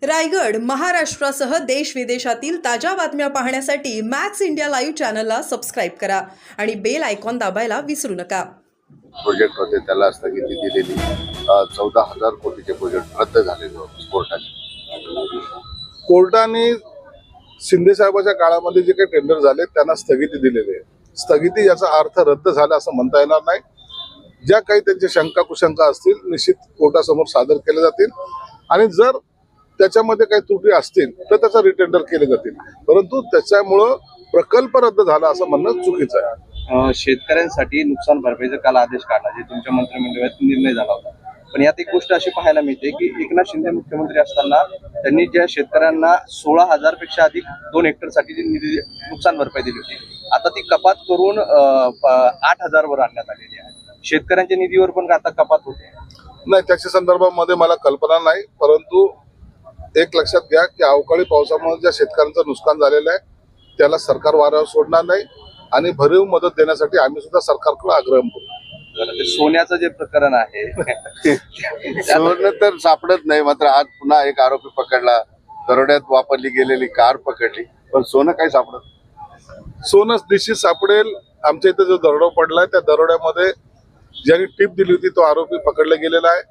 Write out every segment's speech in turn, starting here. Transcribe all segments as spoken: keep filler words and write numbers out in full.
रायगड महाराष्ट्रासह देश विदेशातील ताज्या बातम्या पाहण्यासाठी मॅक्स इंडिया लाईव्ह चॅनलला सबस्क्राईब करा आणि बेल आयकॉन दाबायला विसरू नका. प्रोजेक्ट होते त्याला स्थगिती दिलेली. चौदा हजार कोटीचे प्रोजेक्ट रद्द झालेले होते कोर्टाने. कोर्टाने शिंदे साहेबांच्या काळामध्ये जे काही टेंडर झाले त्यांना स्थगिती दिलेली आहे. स्थगिती याचा अर्थ रद्द झाला असं म्हणता येणार नाही. ज्या काही त्यांच्या शंका कुशंका असतील निश्चित कोर्टासमोर सादर केले जातील आणि जर त्याच्यामध्ये काही त्रुटी असतील तर त्याचा रिटेंडर केले जातील. परंतु त्याच्यामुळं प्रकल्प रद्द झाला असं म्हणणं चुकीचं आहे. शेतकऱ्यांसाठी नुकसान भरपाईचा काल आदेश काढला जे तुमच्या मंत्रिमंडळात निर्णय झाला होता. पण यात एक गोष्ट अशी पाहायला मिळते की एकनाथ शिंदे मुख्यमंत्री असताना त्यांनी ज्या शेतकऱ्यांना सोळा हजार पेक्षा अधिक दोन हेक्टर साठी जी निधी नुकसान भरपाई दिली होती आता ती कपात करून आठ हजार वर आणण्यात आलेली आहे. शेतकऱ्यांच्या निधीवर पण आता कपात होते. नाही, त्याच्या संदर्भामध्ये मला कल्पना नाही. परंतु एक लक्षात घ्या की अवकाळी पावसामुळे ज्या शेतकऱ्यांचं नुकसान झालेलं आहे त्याला सरकार वाऱ्यावर सोडणार नाही आणि भरीव मदत देण्यासाठी आम्ही सुद्धा सरकारकडे आग्रह करू. सोन्याचं जे प्रकरण आहे सोनं तर सापडत नाही. मात्र आज पुन्हा एक आरोपी पकडला. दरोड्यात वापरली गेलेली कार पकडली पण सोनं काही सापडत. सोनं निश्चित सापडेल. आमच्या इथे जो दरोडा पडलाय त्या दरोड्यामध्ये ज्यांनी टिप दिली होती तो आरोपी पकडला गेलेला आहे.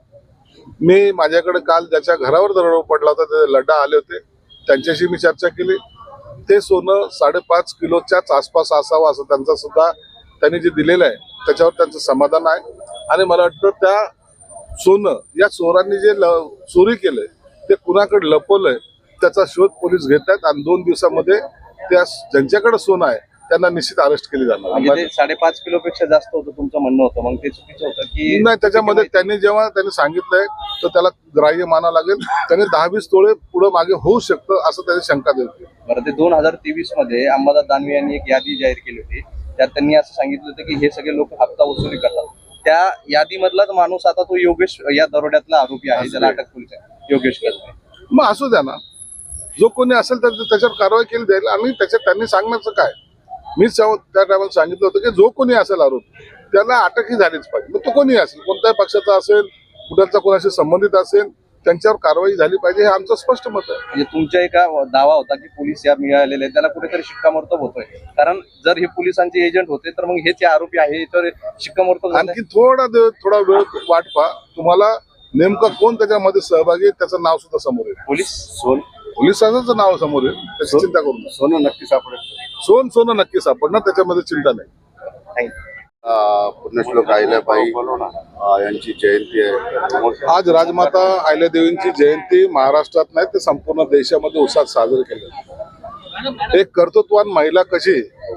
मी माझ्याकडे काल ज्याच्या घरावर दरोडा पडला होता ते लड्डा आले होते, त्यांच्याशी मी चर्चा केली. ते सोनं साडेपाच किलोच्याच आसपास असावं असं त्यांचा सुद्धा त्यांनी जे दिलेलं आहे त्याच्यावर त्यांचं समाधान आहे. आणि मला वाटतं त्या सोनं या चोरांनी जे चोरी केलंय ते कुणाकडे लपवलंय त्याचा शोध पोलीस घेत आहेत आणि दोन दिवसामध्ये त्या ज्यांच्याकडे सोनं आहे त्यांना निश्चित अरेस्ट केली जाणार. म्हणजे साडेपाच किलो पेक्षा जास्त होतं तुमचं म्हणणं होतं, मग ते चुकीचं होतं की नाही? त्याच्यामध्ये त्यांनी जेव्हा त्यांनी सांगितलंय तर त्याला ग्राह्य माना लागेल. त्यांनी दहा वीस तोळे पुढे मागे होऊ शकतं असं त्याची शंका देते. बरं, ते दोन हजार तेवीस मध्ये अंबादास दानवे यांनी एक यादी जाहीर केली होती. त्यात त्यांनी असं सांगितलं होतं की हे सगळे लोक हप्ता वसुली करतात. त्या यादीमधलाच माणूस आता तो योगेश या दरोड्यातला आरोपी आहे, त्याला अटक पोलीस आहे, योगेश कसबे. मग असू द्या ना, जो कोणी असेल तर त्याच्यावर कारवाई केली जाईल. आणि त्याच्यात त्यांनी सांगण्याचं काय, मीच त्या टायमाला सांगितलं होतं की जो कोणी असेल आरोपी त्याला अटकही झालीच पाहिजे. मग तो कोणी असेल, कोणत्याही पक्षाचा असेल, कुठल्याचा कोणाशी संबंधित असेल, त्यांच्यावर कारवाई झाली पाहिजे हे आमचं स्पष्ट मत आहे. म्हणजे तुमच्या एका दावा होता की पोलीस या मिळालेले त्याला कुठेतरी शिक्कामोर्तब होतोय, कारण जर हे पोलिसांचे एजंट होते तर मग हेच आरोपी आहे याच्यावर शिक्कामोर्तब. आणखी थोडा थोडा वेळ वाट पहा, तुम्हाला नेमकं कोण त्याच्यामध्ये सहभागी आहे त्याचं नाव सुद्धा समोर येईल. पोलीस सोन पोलिसांचं नाव समोर येईल, त्याची चिंता करू नका. सोनं नक्की सापडेल. सोन सोनं नक्की सापडणार, त्याच्यामध्ये चिंता नाही. पुण्यश्लोक अहिल्याबाई यांची जयंती आहे. आज राजमाता अहिल्यादेवींची जयंती महाराष्ट्रात नाही तर संपूर्ण देशामध्ये उत्साहात साजरी केली जाते. एक कर्तृत्ववान महिला कशी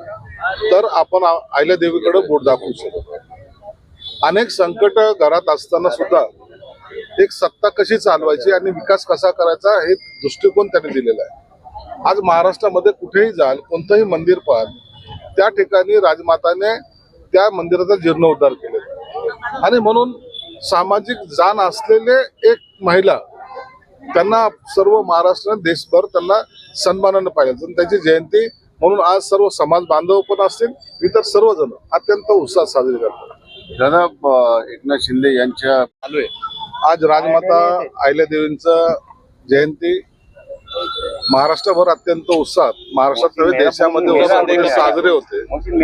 तर आपण अहिल्यादेवीकडे बोट दाखवू शकतो. अनेक संकट घरात असताना सुद्धा एक सत्ता कशी चालवायची आणि विकास कसा करायचा हे दृष्टिकोन त्यांनी दिलेला आहे. आज महाराष्ट्रामध्ये कुठेही जाल, कोणतंही मंदिर पाहाल, त्या ठिकाणी राजमाताने त्या मंदिराचा जीर्णोद्धार केलेला. आणि म्हणून सामाजिक जाण असलेले एक महिला, त्यांना सर्व महाराष्ट्र देशभर त्यांना सन्मानानं पाहिजे. त्यांची जयंती म्हणून आज सर्व समाज बांधव पण असतील, इतर सर्वजण अत्यंत उत्साहात साजरी करतात. दादा, एकनाथ शिंदे यांच्या चालू आहे. आज राजमाता अहिल्यादेवींचं जयंती महाराष्ट्रभर अत्यंत उत्साहात, महाराष्ट्रात नव्हे देशामध्ये उत्साहामध्ये साजरे होते.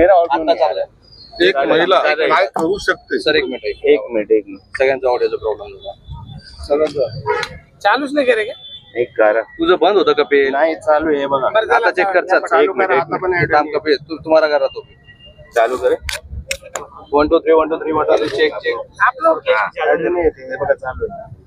एक महिला काय करू शकते. सर एक मिनिट एक मिनिट एक मिनिट सगळ्यांचा ऑडिओचा प्रॉब्लेम झाला. सगळ्यांचा चालूच नाही करे का? एक करा, तुझं बंद होतं का पे? नाही चालू आहे बघा. आता चेक कर. एक मिनिट काम कपे तू तुम्हारा करा तो चालू करे. One two three one two three one two three check check आप लोग क्या चालू नहीं है बघा चालू आहे.